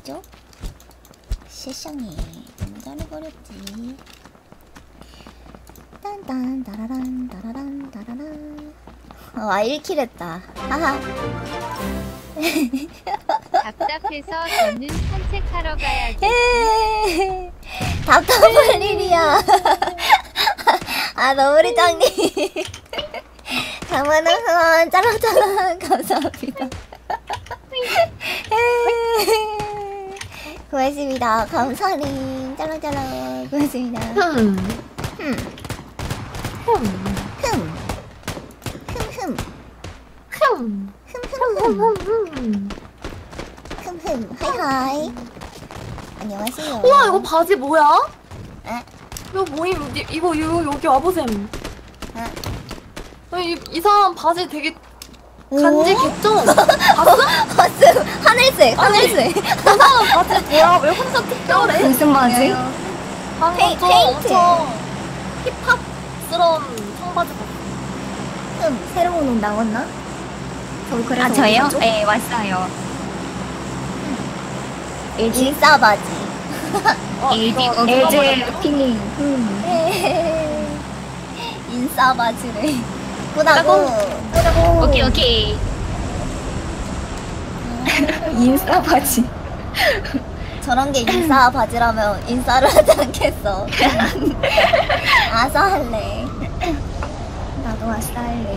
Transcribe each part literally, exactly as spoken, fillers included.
잘해버렸죠? 세상에 너무 잘해버렸지. 딴딴 따라란 따라란 따라란. 와 일 킬 했다. 하하. 답답해서 저는 산책하러 가야지. 답답할 일이야. 아 너구리장님 장만한 짤랑짤랑 감사합니다. 고맙습니다. 감사님 짤랑짤랑 고맙습니다. 흠. 흠. 흠. 흠. 흠흠. 흠. 흠흠흠. 흠. 흠흠. 하이하이. 안녕하세요. 우와 이거 바지 뭐야? 에? 이거 모임 이- 이거 이거 여기 와보셈. 에? 이, 이 사람 바지 되게 오? 간지 개쩌. 봤어? 봤음. 하늘색 하늘색. 이 사람 바지 뭐야? 왜 혼자 특별해? 무슨 바지? 방금 페이- 좀 페인트. 엄청 힙합스러운 청바지 봤어. 흠. 새로운 옷 나왔나? 저 그래서 아 저요? 어디죠? 네 왔어요. 인싸 바지. 어, 에이지, 이거 어, 이거 엘지 뭐라고요? 피닝. 음. 인싸 바지래. 꾸다고. 그리고 오케이 오케이. 인싸 바지. 저런 게 인싸 바지라면 인싸를 하지 않겠어. 아싸 할래. 나도 아싸 할래.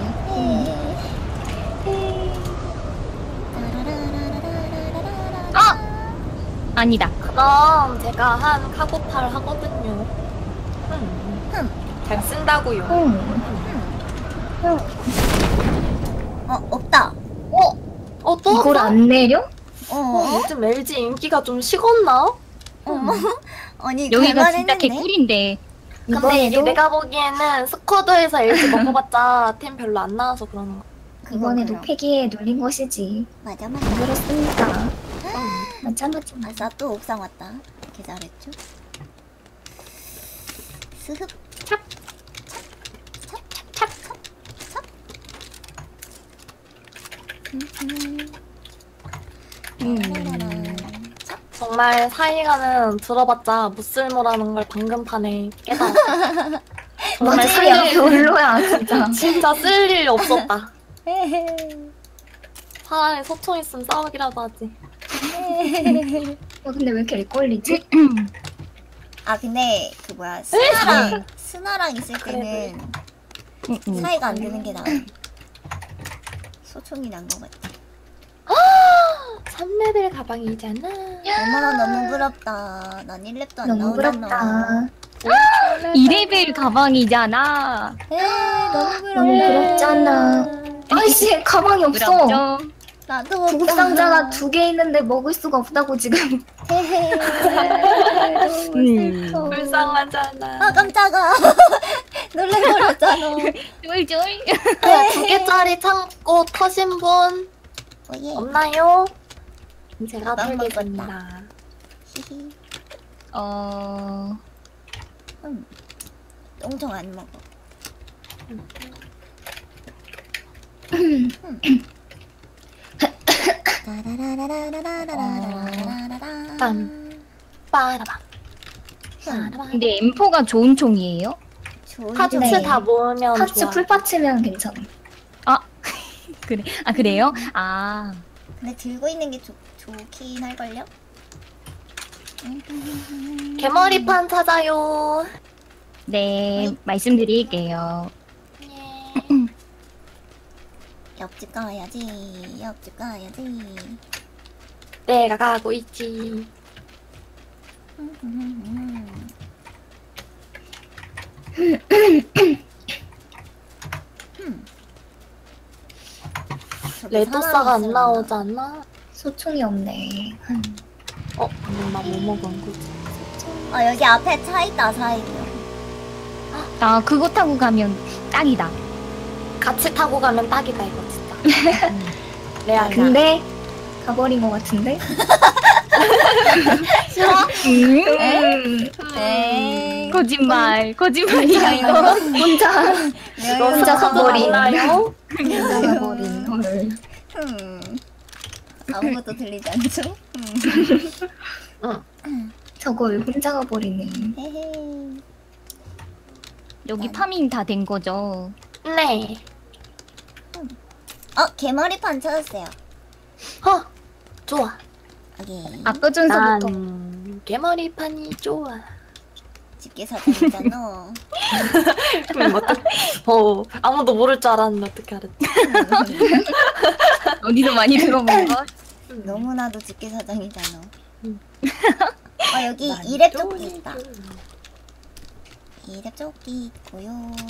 아 아니다. 그럼 제가 한 카고팔 하거든요. 음. 흠. 잘 쓴다고요. 응. 어 없다. 어? 어 또? 이걸 안 내려? 어. 어, 요즘 엘지 인기가 좀 식었나? 어머. 아니 여기가 진짜 갈만했는데? 개꿀인데. 근데 이게 이번에도 내가 보기에는 스쿼드에서 엘지 먹어봤자 템 별로 안 나와서 그러는 거. 이번에도 그럼. 폐기에 눌린 것이지. 맞아 맞아. 안 그렇습니까? 맞아 맞아. 아싸 또 옥상 왔다. 개 잘했죠? 스흡. 찹. 음. 정말 사이가는 들어봤자 무쓸모라는 걸 방금 판에 깨달았어. 정말 맞아 쓸 야 일, 별로야 진짜. 진짜 쓸 일 없었다. 차라리 소총 있으면 싸우기라도 하지. 어, 근데 왜 이렇게 렉걸리지? 아 근데 그 뭐야 스나랑 스나랑 있을 때는 음, 음. 사이가 안 되는 게 나아. 소총이 난 것 같아. 삼 레벨 가방이잖아. 어머 너무 부럽다. 난 일 렙도 안 너무 나오잖아. 부럽다. 이 레벨 가방이잖아. 에 너무 부러워. 너무 부럽잖아. 아이씨 가방이 없어. 부럽죠? 나도 없다. 구급 상자가 두 개 있는데 먹을 수가 없다고 지금. 헤헤. 음. 슬퍼. 불쌍하잖아. 아 깜짝아. 놀래버렸잖아. 쫄쫄. 네, 두 개짜리 창고 터신 분 오예. 없나요? 제가 빵 털겠습니다. 히히. 어. 음. 똥청 안 먹어. 빰. 빠라방. 근데 엠포가 좋은 총이에요? 파츠 네. 다 모으면 파츠 좋아. 풀파츠면 괜찮아. 그래. 아 그래요? 아. 근데 들고 있는 게 좋, 좋긴 할걸요? 개머리판 찾아요. 네 말씀드릴게요. 옆집 가야지. 옆집 가야지. 내가 가고 있지. 레도사가 안 나오잖아. 소총이 없네. 어, 방금 나뭐 먹은 거지? 아 여기 앞에 차 있다 사이요. 아 그거 타고 가면 딱이다. 같이 타고 가면 딱이다 이거 진짜. 레알. 근데 가버린 것 같은데? 싫어? 음. 에이. 거짓말. 거짓말이야 이거. 혼자 내가 혼자 여기서 가버린. 나요? 혼자 가버린 헐. 음. 아무것도 들리지 않죠? 음. 저걸 혼자 가버리네. 헤헤. 여기 파밍 다 된 거죠? 네. 어, 개머리판 찾았어요. 어, 좋아. 여기 아까 전서부터 난 개머리판이 좋아. 집게사장이잖아. 그럼 어떡? 어, 아무도 모를 줄 알았는데 어떻게 알았지? 어디서 많이 들어본 거? 너무나도 집게사장이잖아. 음. 어, 여기 난 이랩 또 조끼 있다. 이랩 조끼 있고요.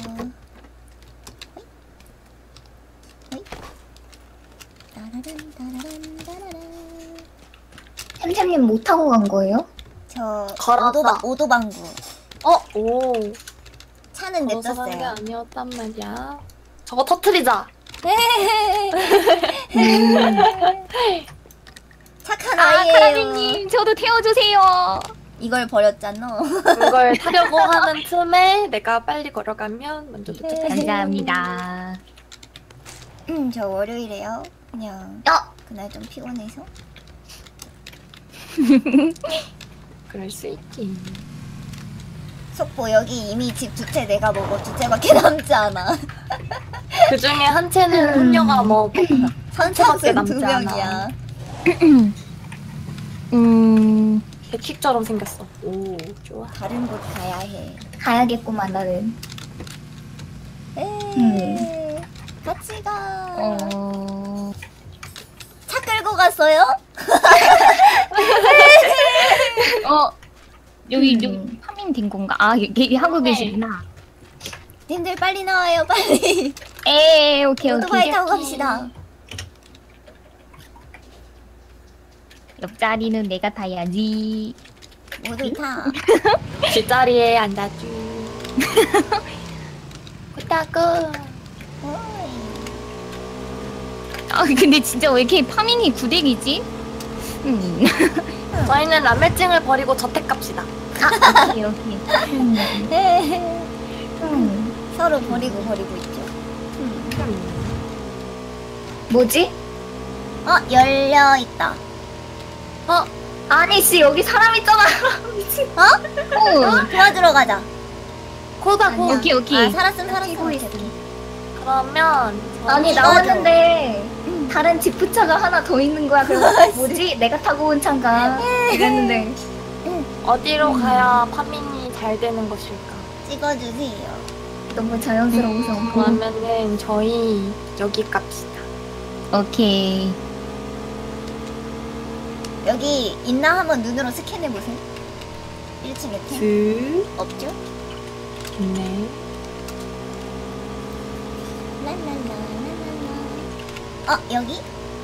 호이. 호이. 따라란 따라란 따라란. 템템님 못 타고 간 거예요? 저 걸어서. 오도바, 오도방구. 어, 오. 차는 걸어서 간 게 냅뒀어요. 아니었단 말이야. 저거 터트리자. 착한 아, 아이예요. 카라비님 저도 태워주세요. 이걸 버렸잖아. 그걸 타려고 하는 틈에 내가 빨리 걸어가면 먼저 도착해. 감사합니다. 음, 저 월요일에요. 그냥 야! 그날 좀 피곤해서. 그럴 수 있지. 속보 여기 이미 집 두 채 내가 먹어 두 채밖에 남지 않아. 그 중에 한 채는 혼녀가 먹고 선착순 남지 두 않아. 명이야. 음, 백킥처럼 생겼어. 오, 좋아. 다른 곳 가야 해. 가야겠구만 나는. 에이, 같이 가. 어, 차 끌고 갔어요? 어, 여기 음. 여기 파밍 된 건가? 아, 여기 하고 네. 계시구나. 님들 빨리 나와요, 빨리. 에, 오케이 오토바이 오케이. 타고 갑시다. 옆자리는 내가 타야지. 모두 타. 뒷자리에 앉아줘. 부탁고. 어이. 아, 근데 진짜 왜 이렇게 파밍이 구대기지? 음, 저희는 라멜증을 버리고 저택 갑시다. 오케이 오케이. 에헤. 음. 서로 버리고 버리고 있죠. 뭐지? 어, 열려 있다. 어, 아니 씨 여기 사람 있잖아. 미친. 어, 도와주러 가자. 고다고. 아니야. 오케이, 오케이. 아, 살았음 살았음. 뛰고 있어. 그러면 아니 이거 나왔는데 다른 지프차가 하나 더 있는 거야. 그래서 뭐지? 내가 타고 온 차인가? 이랬는데 어디로 가야 파밍이 잘 되는 것일까? 찍어주세요. 너무 자연스러워서. 그러면은 저희 여기 갑시다. 오케이. 여기 있나 한번 눈으로 스캔해 보세요. 일 층에 템 그 없죠? 네. 랄랄라랄랄라. 어, 여기?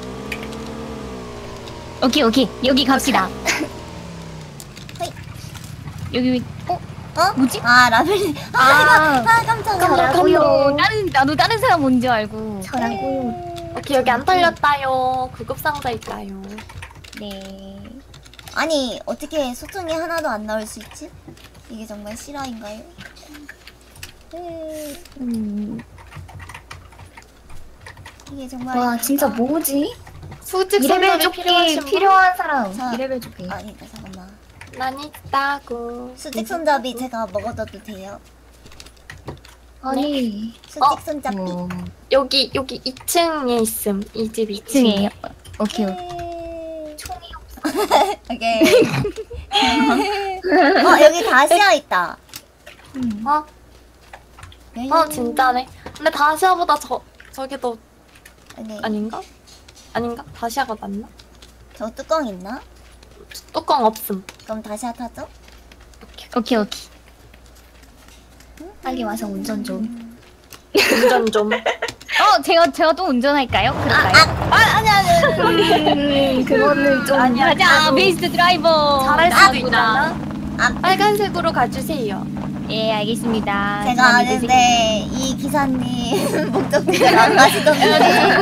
오케이 오케이. 여기 갑시다. 허이. 여기 어? 어? 뭐지? 아, 라벨. 아, 아, 아, 깜짝이야. 저라고요. 나는 나도 다른 사람 뭔지 알고. 저라고요. 오케이, 여기 안 털렸다요. 구급 상자 있다요. 네. 아니, 어떻게 소통이 하나도 안 나올 수 있지? 이게 정말 실화인가요? 네, 음. 이게 정말. 와 진짜 뭐지? 수직 이레벨 손잡이 조끼 필요하신 분? 필요한 사람. 자. 이레벨 조끼. 아니다, 잠깐만. 난 있다고. 수직 손잡이 제가 먹어둬도 돼요? 아니 수직 어? 손잡이. 어, 여기 여기 이 층에 있음. 이 집 이 층에. 이 층에. 오케이 오케이. 네. 총이 오케이. 어, 여기 다시아 있다. 음. 어? 어 진짜네. 근데 다시아보다 저 저게 더 네. 아닌가? 아닌가? 다시아가 낫나? 저 뚜껑 있나? 뚜껑 없음. 그럼 다시아 타죠? 오케이 오케이. 빨리 와서 운전 좀. 운전 좀. 어, 제가 제가 또 운전할까요? 그럴까요? 아, 아니, 아니, 아니. 음, 그거는 좀 아니야. 가자, 그래도 베이스트 드라이버. 잘할 수도 나구나. 있잖아. 아, 빨간색으로 가주세요. 예, 알겠습니다. 제가 저만 믿으세요. 아는데 이 기사님 목적지를 안 가시던데.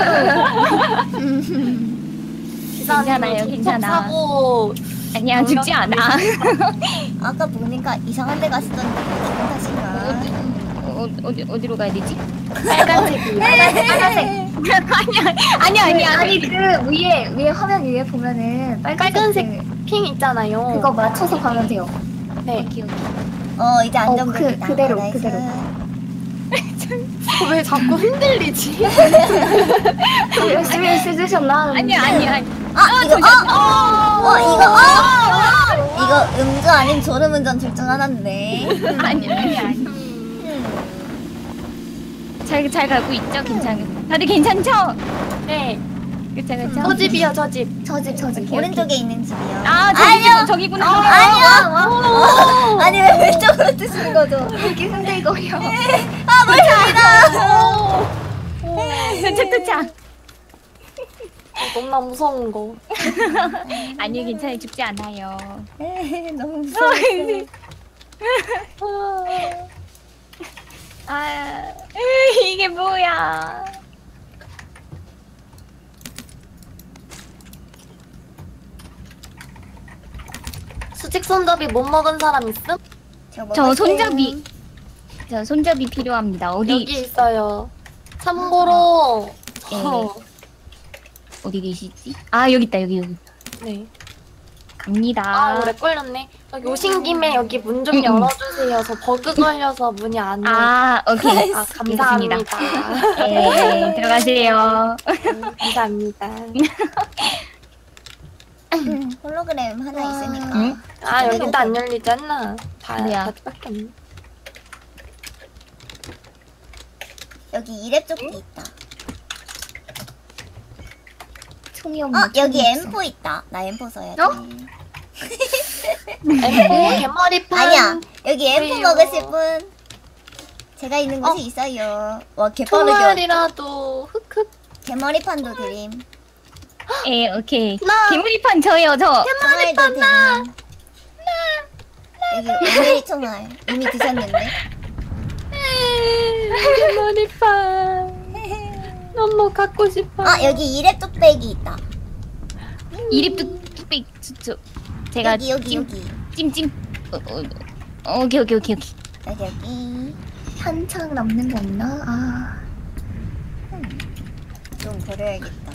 괜찮아요, 괜찮아. 사고 아니야, 죽지 않아. 아까 보니까 이상한 데 가시던데 기분 탓인가? 어디, 어, 어디 어디로 가야 되지? 빨간색이. 빨간색. 아니 아니 아니 아니 그 위에 위에 화면 위에 보면은 빨간색, 빨간색 그- 핑 있잖아요. 그거 맞춰서 가면 돼요. 네. 오케이 오케이. 어 이제 어, 안정적이다. 그- 그대로, 나이스. 그대로. 왜 자꾸 흔들리지? 열심히 쓰셨나? 아니 아니 아니. 아 이거 어! 어 이거 어! 이거 음주 아닌 졸음운전 둘 중 하나인데. 아니 아니 아니. 잘 잘 가고 있죠? 괜찮은. 다들 괜찮죠? 네. 그쵸 그쵸. 저 집이요, 저 집. 저집 저집. 오른쪽에 있는 집이요. 아 아니요. 저기 저기구나. 아니요. 아니 왜 왼쪽으로 뜨시는 거죠? 이렇게 흔들거려. 아 멀쩡이다. 도착 도착. 너무나 무서운 거. 아니요 괜찮아요 죽지 않아요. 너무 무서워. 아 이게 뭐야? 수직 손잡이 못 먹은 사람 있음? 저 손잡이. 저 손잡이 필요합니다. 어디 여기 있어요. 참고로 네. 저 어디 계시지? 아 여기 있다 여기 여기. 네. 갑니다. 아, 오래 걸렸네. 여기 오신 김에 여기 문 좀 음, 음. 열어주세요. 저 버그 걸려서 문이 안 열려. 아 오케이. 아, 감사합니다. 네 들어가세요. 음, 감사합니다. 음, 홀로그램 하나 와. 있으니까. 응? 아, 여기도 안 열리잖아. 다, 뭐야? 다밖에 없네. 여기 이랩 조끼 있다. 총이 없네. 어 여기 총이 없어. 엠포 있다. 나 엠포 써야지. 어? 엠포 개머리판. 아니야 여기 엠포 왜요? 먹으실 분 제가 있는 곳이 어? 있어요. 와 개빠르게 총알이라도 흑흑. 개머리판도 드림. 예 오케이. 나. 개구리판 저요 저. 총알도 드림. 여기 오메리 총알 이미 드셨는데. 개머리판. 너무 갖고 싶어. 아 여기 이랩 뚝배기 있다. 이립도 뚝배기 저 제가 여기 여기 찜, 여기 찜찜. 어, 어, 어, 오케이 오케이 오케이 오케이. 여기 여기 한창 남는 거 없나? 아. 좀 버려야겠다.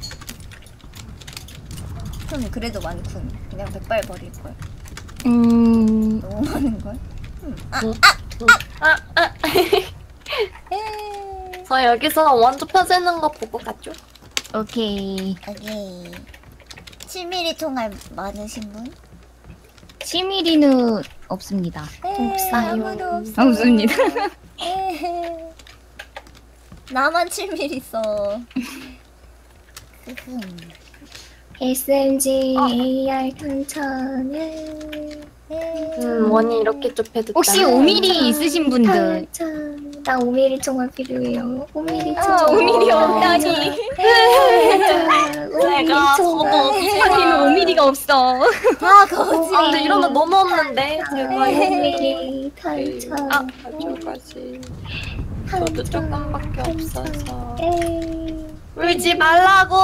흠 그래도 많군. 그냥 백발 버릴 걸. 음 너무 많은 걸. 음. 아, 응. 아, 아. 에이. 저 여기서 원조 펴지는 거 보고 갔죠? 오케이. 여기 칠 밀리미터 총알 많으신 분? 칠 밀리미터는 없습니다. 에이, 없어요. 아무도 없어. 없습니다. 에이. 나만 칠 밀리미터 있어. 흐흠. 에스엠지 어. 에이알 탄창을 에이. 음, 원이 이렇게 좁혀도 혹시 오 밀리미터 있으신 분들? 탄창. 나 오 밀리미터 총알 필요해요. 오 밀리미터 아, 총알. 오 밀리미터 없다니. 제가 저도 하긴 오 밀리미터가 없어. 다 거지. 아, 근데 이러면 너무 없는데 제가 오 밀리미터 탄창. 아, 가져가지. 저도 조금밖에 없어서. 에이. 울지 말라고.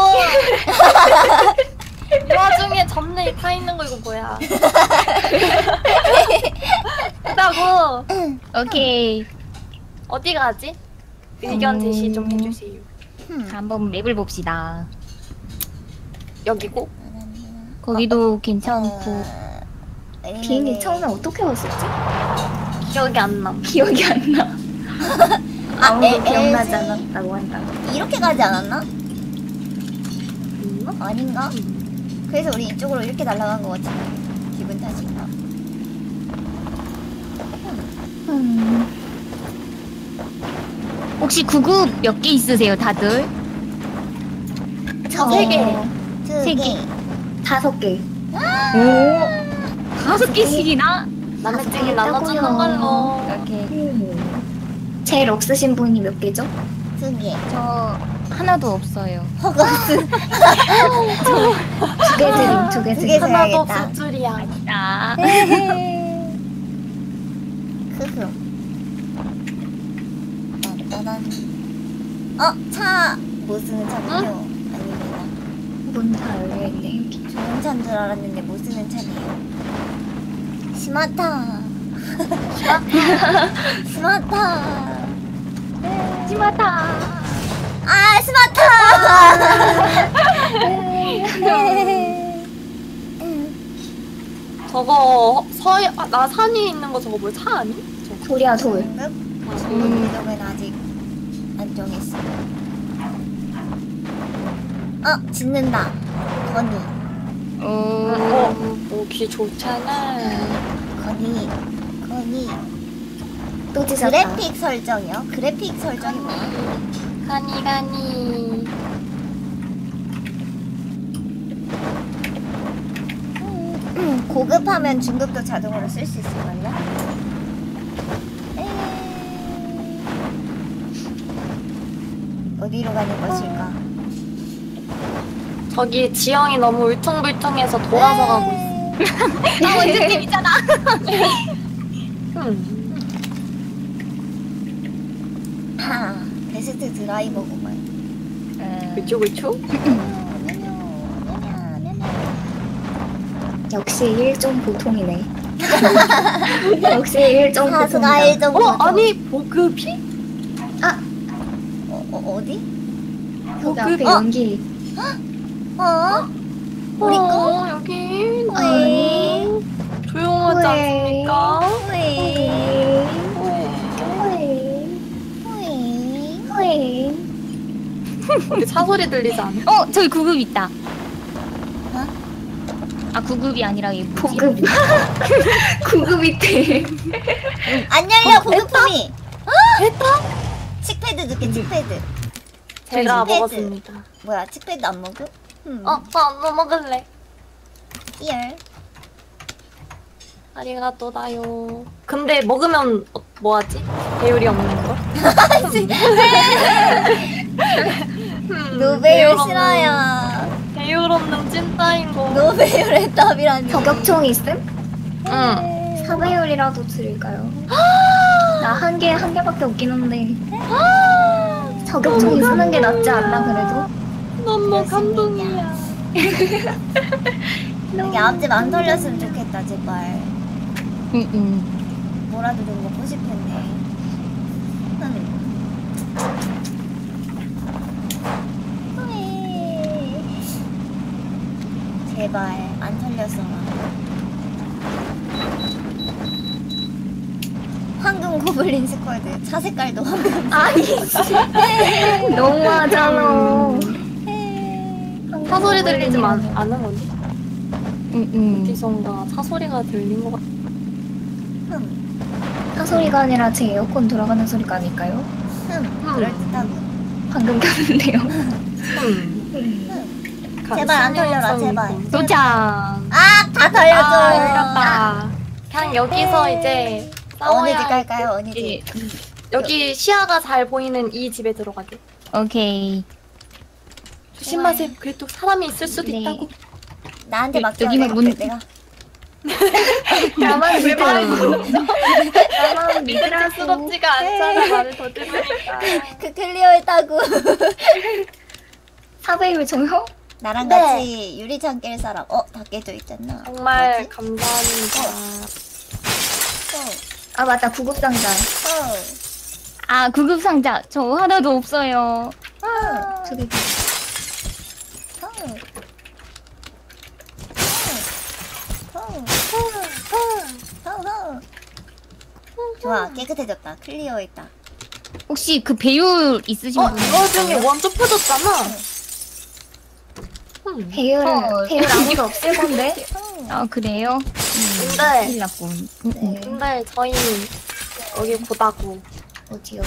이 와중에 점내에 타 있는 거 이거 뭐야? 그다고 오케이. 어디 가지? 의견 제시 좀 해주세요. 흠. 한번 맵을 봅시다. 여기고. 거기도 괜찮고. 어, 비행기 왜냐면은 처음에 어떻게 왔었지? 기억이 안 남. 기억이 안 나. 아, 아무도 에- 기억나지 에이. 않았다고 한다. 이렇게 가지 않았나? 음? 아닌가? 그래서 우리 이쪽으로 이렇게 날아간 거 같지? 기분 탓인가? 음. 혹시 구급 몇 개 있으세요, 다들? 저 세 개. 두 세 개. 개. 다섯 개. 오, 다섯 개씩이나? 남의증이 나눠주는 걸로. 오케이. 음. 제일 없으신 분이 몇 개죠? 두 개. 저 하나도 없어요. 허거스. 두 개 드림, 두 개 두 드림. 개 하나도 줘야겠다. 없을 줄이야. 아, 흐흐. 따단. 어, 차. 못 쓰는 차군요. 아닙니다. 문 다 열려있네. 좋은 차인 줄 알았는데 못 쓰는 차네요. 스마타. 스마타. 심하다. 아 스마트. 저거 서해 아, 나 산이 있는 거 저거 뭐야 차 아니? 저거. 돌이야 돌. 등급? 아, 등급 이름은 아직 안 정했어. 어 짓는다. 건이 오. 어, 오기 좋잖아. 건이 건이. 또 찢었다. 그래픽 설정이요? 그래픽 설정이 뭐야? 가니 가니. 음, 고급하면 중급도 자동으로 쓸 수 있을걸요? 에이. 어디로 가는 것일까? 저기 지형이 너무 울퉁불퉁해서 돌아서 가고 있어. 나 원주팀이잖아. 음. 하, 베스트 드라이버구만. 그쵸 그쵸? 역시 일종 보통이네. 역시 일종 사수가 보통이다. 일정 어 아니 보급이? 어, 어, 어디? 거기 앞에 어? 연기. 어? 우리 거? 어, 여기 왜? 조용하지 왜? 않습니까? 왜? 후에 왜? 후에. 여기 차 소리 들리지 않아? 어 저기 구급 있다. 어? 아 구급이 아니라 이 뭐지? 보급. 구급 밑에. 안 열려, 보급품이! 됐다? 칙패드 줄게, 칙패드. 제가 패드. 먹었습니다. 뭐야, 칙패드 안 먹음? 음. 어, 어, 먹을래. 열. 아리가또다요. 근데 먹으면 어, 뭐하지? 배율이 없는 거? 음, 노베일 배율 없는- 싫어요. 배율 없는 찐따인 거. 노베일의 답이라니. 저격총 있음? 응. 사배율이라도 드릴까요? 나 한 개, 한 개밖에 없긴 한데. 저격총이 쓰는 게 낫지 않나, 그래도? 너무 감동이야. 여기 앞집 안 털렸으면 좋겠다, 제발. 응응. 뭐라도 좀 먹고 싶었네. 음. 제발 안 털렸어라. 황금 고블린 스쿼드 차 색깔도 황금. 아니, 너무하잖아. 차 소리 들리지 마, 않은 거지? 응응. 어디선가 차 소리가 들린 것 같아. 흠, 차 소리가 아니라 제 에어컨 돌아가는 소리가 아닐까요? 흠, 그럴듯하고. 방금 켰는데요. 음. 흠. 제발 안 털려라, 제발. 도착. 아, 다 털렸어. 아, 이겼다. 그냥 여기서 이제 어느 집 싸워야 갈까요? 어느 집? 여기 시야가 잘 보이는 이 집에 들어가게. 오케이. 조심하세요. 그래도 사람이 있을 수도 네. 있다고. 나한테 여- 맡겨. 여기는 내가, 문- 내가. 나만 믿어. 나만 믿으라고. 믿음직스럽지가 않잖아. 말을 더 들으니까. 그 클리어했다고. 사배율 정형? 나랑 네. 같이 유리창 깰 사람. 어, 다 깨져 있잖아. 정말 뭐지? 감사합니다. 어, 아, 맞다. 구급상자. 어, 아 구급 상자 저 하나도 없어요. 어, 저기. 어, 어, 어, 어, 어. 좋아, 깨끗해졌다. 클리어했다. 혹시 그 배율 있으신 어, 분? 이거 중에 원조 펴졌잖아. 음. 배율, 헐. 배율 아무도 없을 건데? 어. 아 그래요? 근데 큰일 났군. 음, 음. 네. 근데 저희 여기 고다고. 어디요?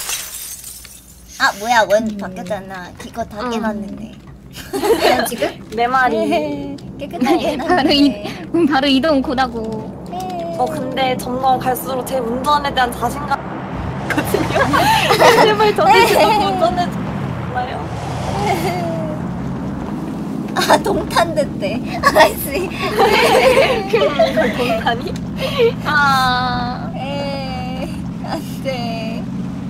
아, 뭐야, 원 음. 바뀌었잖아. 기껏 다 음. 깨놨는데. 그냥 지금? 내 말이. 깨끗하게 바로 이 해놨는데. 음, 바로 이동 고다고. 어 근데 점점 갈수록 제 운전에 대한 자신감 거든요. 제발 저는 진짜 운전해 주나요? 아, 동탄 됐대. 아이씨. 동탄이? 아 에이, 안 돼.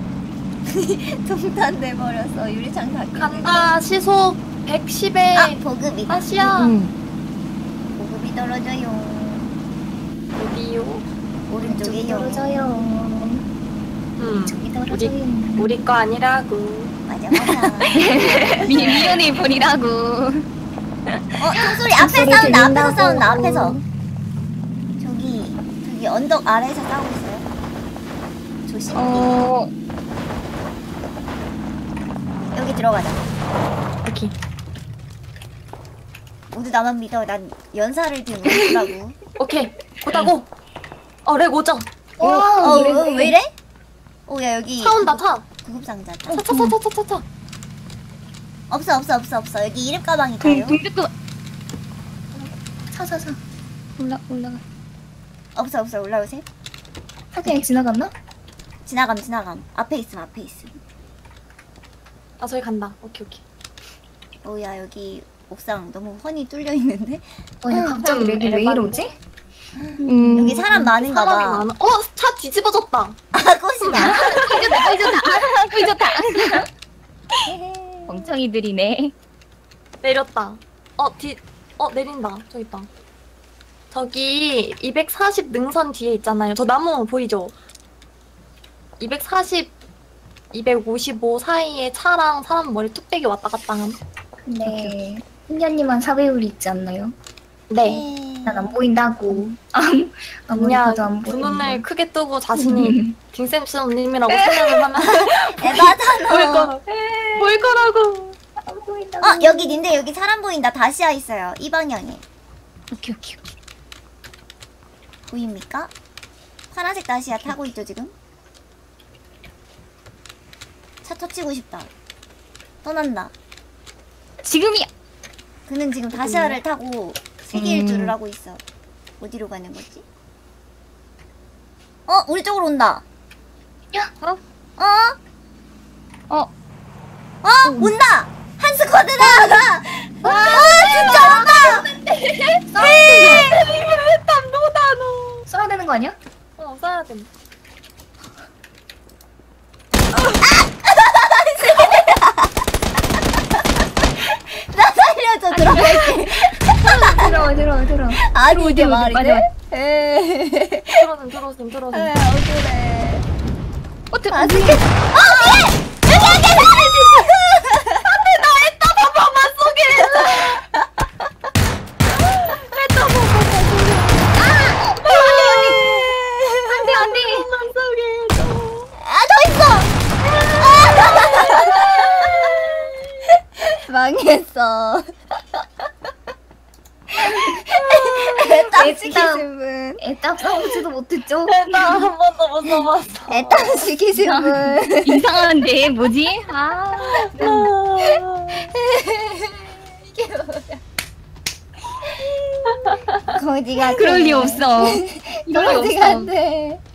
동탄 돼버렸어. 유리창 다 깨졌네. 간다 시속 백십에 아, 보급이다. 다시야. 음. 보급이 떨어져요. 어디요? 오른쪽에요. 떨어져요. 음. 저기 우리 떨어져요. 우리 거 아니라고. 맞아. 맞아 맞아. 미, 미연을 버리라고. 어 총소리 앞에 총소리 싸운다 앞에서 들린다고. 싸운다 앞에서. 저기 저기 언덕 아래에서 싸우고 있어요. 조심. 어, 여기 들어가자. 오케이. 모두 나만 믿어. 난 연사를 지금 못하고. 오케이. 보다고. 어, 렉 오죠? 어, 와, 어, 이래, 어, 이래. 왜 이래? 오, 야, 여기. 차 온다, 차. 구급상자. 차, 차, 차, 차, 차, 차, 차. 없어, 없어, 없어, 없어. 여기 이름 가방이 동, 가요? 동백도 사사사. 올라, 올라가. 없어, 없어. 올라오세요. 아, 그냥 지나갔나? 지나감, 지나감. 앞에 있음, 앞에 있음. 아, 저기 간다. 오케이, 오케이. 오, 야, 여기 옥상 너무 훤히 뚫려 있는데? 어, 야, 갑자기 렉이 왜 이러지? 음, 여기 사람 많은가 사람이 봐. 많아. 어, 차 뒤집어졌다. 아, 꽃이다. 꿀 좋다. 멍청이들이네. 내렸다. 어, 뒤, 어, 내린다. 저기 있다. 저기 이백사십 능선 뒤에 있잖아요. 저 나무 보이죠? 이백사십, 이백오십오 사이에 차랑 사람 머리 뚝배기 왔다 갔다 함. 근데 훈녀님만 사배율 있지 않나요? 네. 난 안 보인다고. 아무 아무리 그냥 봐도 안 두 보인다. 눈을 크게 뜨고 자신이 딩쌤쌤님이라고 생각을 하면 에바잖아. 보일 거라. 보일 거라고. 안 보인다고. 어, 여기 님들 여기 사람 보인다. 다시아 있어요. 이 방향에. 오케이, 오케이, 오케이. 보입니까? 파란색 다시아 타고 있죠, 지금? 차 터치고 싶다. 떠난다. 지금이야. 그는 지금 다시아를 타고 세계 음. 일주를 하고 있어. 어디로 가는 거지? 어, 우리 쪽으로 온다. 야, 어? 어? 어, 어? 온다! 한 스쿼드다! 와, 진짜 온다! 땀 노다노. 써야 되는 거 아니야? 어, 써야 돼. 나 살려줘, 들어갈게. 들어와 들어와 들어와. 아니, 이게 들어오지, 말이 맞아. 돼? 에이, 들어오셈, 들어오셈, 들어오셈. 억울해. 어, 들, 아, 진짜. 어, 여기! 여기, 여기, 안 돼, 안 돼. 아, 더 있어! 아! 망했어. 애땀 시키신 분. 애답 싸우지도 못했죠? 나 한 번도 못 써봤어. 애땀 시키신 분. 이상한데, 뭐지? 아, 이게 뭐야. 거지가 그럴 리 없어. 이럴 리 거지가 없어. 돼.